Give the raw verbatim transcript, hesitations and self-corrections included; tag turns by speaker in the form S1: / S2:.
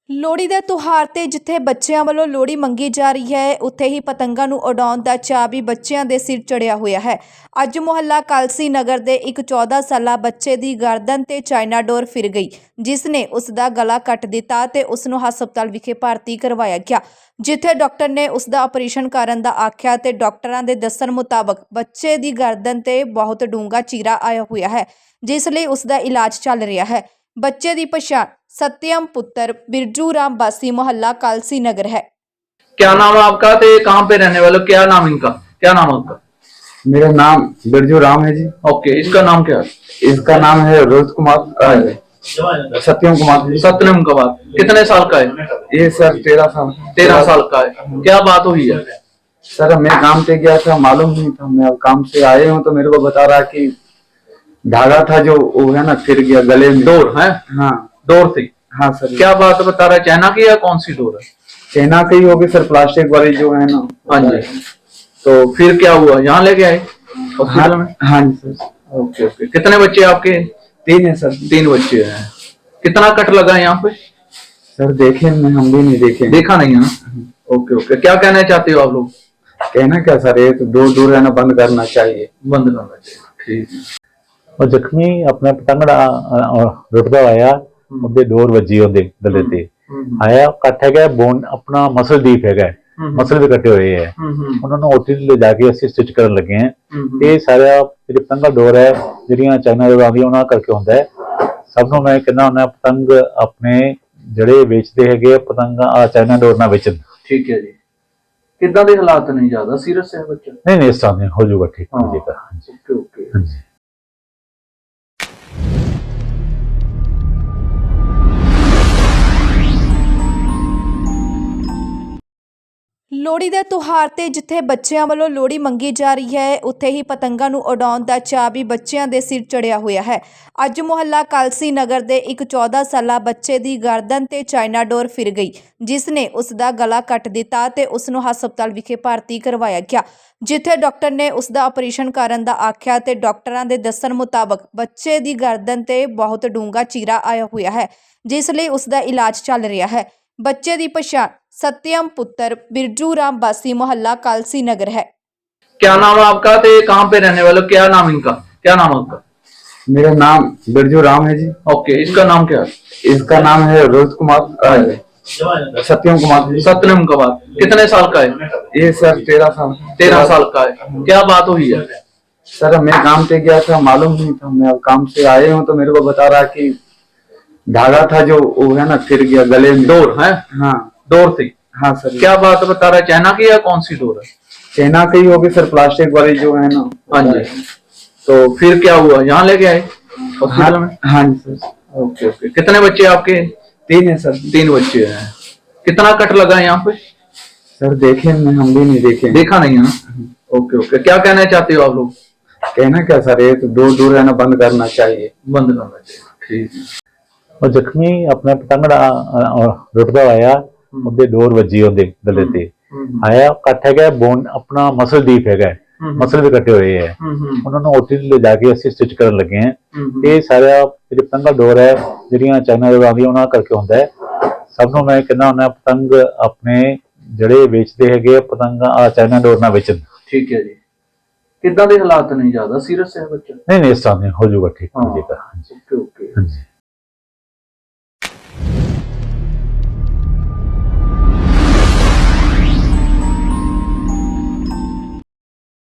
S1: ਲੋਹੜੀ ਦੇ ਤਿਉਹਾਰ ਤੇ ਜਿੱਥੇ ਬੱਚਿਆਂ ਵੱਲੋਂ ਲੋਹੜੀ ਮੰਗੀ ਜਾ ਰਹੀ ਹੈ, ਉੱਥੇ ਹੀ ਪਤੰਗਾਂ ਨੂੰ ਉਡਾਉਣ ਦਾ ਚਾਅ ਵੀ ਬੱਚਿਆਂ ਦੇ ਸਿਰ ਚੜਿਆ ਹੋਇਆ ਹੈ। ਅੱਜ ਮੁਹੱਲਾ ਕਾਲਸੀ ਨਗਰ ਦੇ ਇੱਕ ਚੌਦਾਂ ਸਾਲਾ ਬੱਚੇ ਦੀ ਗਰਦਨ ਤੇ ਚਾਈਨਾ ਡੋਰ ਫਿਰ ਗਈ, ਜਿਸ ਨੇ ਉਸ ਦਾ ਗਲਾ ਕੱਟ ਦਿੱਤਾ ਤੇ ਉਸ ਨੂੰ ਹਸਪਤਾਲ ਵਿਖੇ ਭਰਤੀ ਕਰਵਾਇਆ ਗਿਆ, ਜਿੱਥੇ ਡਾਕਟਰ ਨੇ ਉਸ ਦਾ ਆਪਰੇਸ਼ਨ ਕਰਨ ਦਾ ਆਖਿਆ ਤੇ ਡਾਕਟਰਾਂ ਦੇ ਦੱਸਣ ਮੁਤਾਬਕ ਬੱਚੇ ਦੀ ਗਰਦਨ ਤੇ ਬਹੁਤ ਡੂੰਘਾ ਚੀਰਾ ਆਇਆ ਹੋਇਆ ਹੈ, ਜਿਸ ਲਈ ਉਸ ਦਾ ਇਲਾਜ ਚੱਲ ਰਿਹਾ ਹੈ। बच्चे की पछाण सत्यम पुत्र बिरजू राम वासी मोहल्ला कालसी नगर है।
S2: क्या नाम है आपका? तो कहाँ पे रहने वाले? क्या नाम इनका? क्या नाम है आपका?
S3: मेरा नाम बिरजू राम है जी।
S2: ओके, इसका नाम क्या है?
S3: इसका नाम है रोहित कुमार, सत्यम कुमार।
S2: सत्यम कुमार कितने साल का है?
S3: ये सर तेरह साल
S2: तेरह साल का है। क्या बात हुई है?
S3: सर मैं काम पे गया था, मालूम नहीं था। मैं अब काम से आए हूँ तो मेरे को बता रहा कि धागा था जो वो है ना फिर गया गले में।
S2: डोर है?
S3: हाँ
S2: डोर थी।
S3: हाँ सर।
S2: क्या बात बता रहा है? चाइना की या कौन सी डोर है?
S3: चाइना की ही होगी सर, प्लास्टिक वाली जो है ना।
S2: हाँ जी। तो फिर क्या हुआ? यहाँ लेके आए हॉस्पिटल में?
S3: हाँ जी सर।
S2: Okay okay. कितने बच्चे आपके?
S3: तीन है सर।
S2: तीन बच्चे हैं। कितना कट लगा है यहाँ पे?
S3: सर देखे नहीं, हम भी नहीं देखे।
S2: देखा नहीं है ना? Okay okay. क्या कहना चाहते हो आप लोग?
S3: कहना क्या सर, ये तो दूर दूर रहना बंद करना चाहिए।
S2: बंद करना चाहिए। ठीक है।
S4: और जख्मी अपना पतंगड़ा रुटदा आया, ਉਹਦੇ ਡੋਰ ਵੱਜੀ ਉਹਦੇ ਗਲੇ ਤੇ ਆਇਆ, ਕੱਟ ਹੈਗਾ ਬੋਨ ਆਪਣਾ ਮਸਲ ਡੀਪ ਹੈਗਾ, ਮਸਲ ਵੀ ਕੱਟੇ ਹੋਏ ਹੈ। ਉਹਨਾਂ ਨੂੰ ਓਟੀ ਲੈ ਜਾ ਕੇ ਅਸੀਂ ਸਟਿਚ ਕਰਨ ਲੱਗੇ ਹਾਂ। ਇਹ ਸਾਰਾ ਜਿਹੜੀ ਪਤੰਗਾ ਡੋਰ ਹੈ ਜਿਹੜੀਆਂ ਚਾਈਨਾ ਡੋਰ ਆਉਂਦੀਆਂ ਉਹਨਾਂ ਕਰਕੇ ਹੁੰਦਾ ਹੈ। ਸਭ ਨੂੰ ਮੈਂ ਕਹਿੰਦਾ ਹੁੰਦਾ ਪਤੰਗ ਆਪਣੇ ਜਿਹੜੇ ਵੇਚਦੇ ਹੈਗੇ ਪਤੰਗਾ ਆ ਚਾਈਨਾ ਡੋਰ ਨਾਲ ਵੇਚਣ।
S2: ਠੀਕ ਹੈ ਜੀ। ਕਿੱਦਾਂ ਦੇ ਹਾਲਾਤ ਨਹੀਂ? ਜ਼ਿਆਦਾ ਸੀਰੀਅਸ ਹੈ ਬੱਚਾ?
S4: ਨਹੀਂ ਨਹੀਂ, ਇਸ ਤਰ੍ਹਾਂ ਨਹੀਂ ਹੋ ਜਾਊਗਾ, ਠੀਕ ਹੋ ਜਾਏਗਾ।
S2: Okay okay.
S4: ਹਾਂਜੀ।
S1: ਲੋਹੜੀ ਦੇ ਤਿਉਹਾਰ ਤੇ ਜਿੱਥੇ ਬੱਚਿਆਂ ਵੱਲੋਂ ਲੋਹੜੀ ਮੰਗੀ ਜਾ ਰਹੀ ਹੈ, ਉੱਥੇ ਹੀ ਪਤੰਗਾਂ ਨੂੰ ਉਡਾਉਣ ਦਾ ਚਾਅ ਵੀ ਬੱਚਿਆਂ ਦੇ ਸਿਰ ਚੜਿਆ ਹੋਇਆ ਹੈ। ਅੱਜ ਮੁਹੱਲਾ ਕਾਲਸੀ ਨਗਰ ਦੇ ਇੱਕ ਚੌਦਾਂ ਸਾਲਾ ਬੱਚੇ ਦੀ ਗਰਦਨ ਤੇ ਚਾਈਨਾ ਡੋਰ ਫਿਰ ਗਈ, ਜਿਸ ਨੇ ਉਸ ਦਾ ਗਲਾ ਕੱਟ ਦਿੱਤਾ ਤੇ ਉਸ ਨੂੰ ਹਸਪਤਾਲ ਵਿਖੇ ਭਰਤੀ ਕਰਵਾਇਆ ਗਿਆ, ਜਿੱਥੇ ਡਾਕਟਰ ਨੇ ਉਸ ਦਾ ਆਪਰੇਸ਼ਨ ਕਰਨ ਦਾ ਆਖਿਆ ਤੇ ਡਾਕਟਰਾਂ ਦੇ ਦੱਸਣ ਮੁਤਾਬਕ ਬੱਚੇ ਦੀ ਗਰਦਨ ਤੇ ਬਹੁਤ ਡੂੰਘਾ ਚੀਰਾ ਆਇਆ ਹੋਇਆ ਹੈ, ਜਿਸ ਲਈ ਉਸ ਦਾ ਇਲਾਜ ਚੱਲ ਰਿਹਾ ਹੈ। बच्चे की पछाण सत्यम पुत्र बिरजू राम वासी मोहल्ला कालसी नगर है।
S2: क्या नाम है आपका? तो कहाँ पे रहने वाले? क्या नाम इनका? क्या नाम है आपका?
S3: मेरा नाम बिरजू राम है जी।
S2: ओके, इसका नाम क्या है?
S3: इसका नाम है रोहित कुमार, सत्यम कुमार।
S2: सत्यम कुमार कितने साल का है?
S3: ये सर तेरह साल
S2: तेरह साल का है। क्या बात हुई है?
S3: सर मैं काम पे गया था, मालूम नहीं था। मैं अब काम से आए हूँ तो मेरे को बता रहा कि धागा था जो वो है ना फिर गया गले में।
S2: डोर है?
S3: हाँ
S2: डोर थी।
S3: हाँ सर।
S2: क्या बात बता रहा है? चाइना की या कौन सी डोर है?
S3: चाइना की ही होगी सर, प्लास्टिक वाली जो है ना।
S2: हाँ जी। तो फिर क्या हुआ? यहाँ लेके आए हॉस्पिटल में?
S3: हाँ जी सर।
S2: Okay okay. कितने बच्चे आपके?
S3: तीन है सर।
S2: तीन बच्चे हैं। कितना कट लगा है यहाँ पे?
S3: सर देखे नहीं, हम भी नहीं देखे।
S2: देखा नहीं है ना? Okay okay. क्या कहना चाहते हो आप लोग?
S3: कहना क्या सर, ये तो दूर दूर रहना बंद करना चाहिए।
S2: बंद करना चाहिए। ठीक है।
S4: और जख्मी अपना पतंगड़ा रुटदा आया, ਉਹਦੇ ਡੋਰ ਵੱਜੀ ਉਹਦੇ ਗਲੇ ਤੇ ਆਇਆ, ਕੱਟ ਹੈਗਾ ਬੋਨ ਆਪਣਾ ਮਸਲ ਡੀਪ ਹੈਗਾ, ਮਸਲ ਵੀ ਕੱਟੇ ਹੋਏ ਹੈ। ਉਹਨਾਂ ਨੂੰ ਓਟੀ ਲੈ ਜਾ ਕੇ ਅਸੀਂ ਸਟਿਚ ਕਰਨ ਲੱਗੇ ਹਾਂ। ਇਹ ਸਾਰਾ ਜਿਹੜੀ ਪਤੰਗਾ ਡੋਰ ਹੈ ਜਿਹੜੀਆਂ ਚਾਈਨਾ ਡੋਰ ਆਉਂਦੀਆਂ ਉਹਨਾਂ ਕਰਕੇ ਹੁੰਦਾ ਹੈ। ਸਭ ਨੂੰ ਮੈਂ ਕਹਿੰਦਾ ਹੁੰਦਾ ਪਤੰਗ ਆਪਣੇ ਜਿਹੜੇ ਵੇਚਦੇ ਹੈਗੇ ਪਤੰਗਾ ਆ ਚਾਈਨਾ ਡੋਰ ਨਾਲ ਵੇਚਣ।
S2: ਠੀਕ ਹੈ ਜੀ। ਕਿੱਦਾਂ ਦੇ ਹਾਲਾਤ ਨਹੀਂ? ਜ਼ਿਆਦਾ ਸੀਰੀਅਸ ਹੈ ਬੱਚਾ?
S4: ਨਹੀਂ ਨਹੀਂ, ਇਸ ਤਰ੍ਹਾਂ ਨਹੀਂ ਹੋ ਜਾਊਗਾ, ਠੀਕ ਹੋ ਜਾਏਗਾ।
S2: Okay okay.
S4: ਹਾਂਜੀ।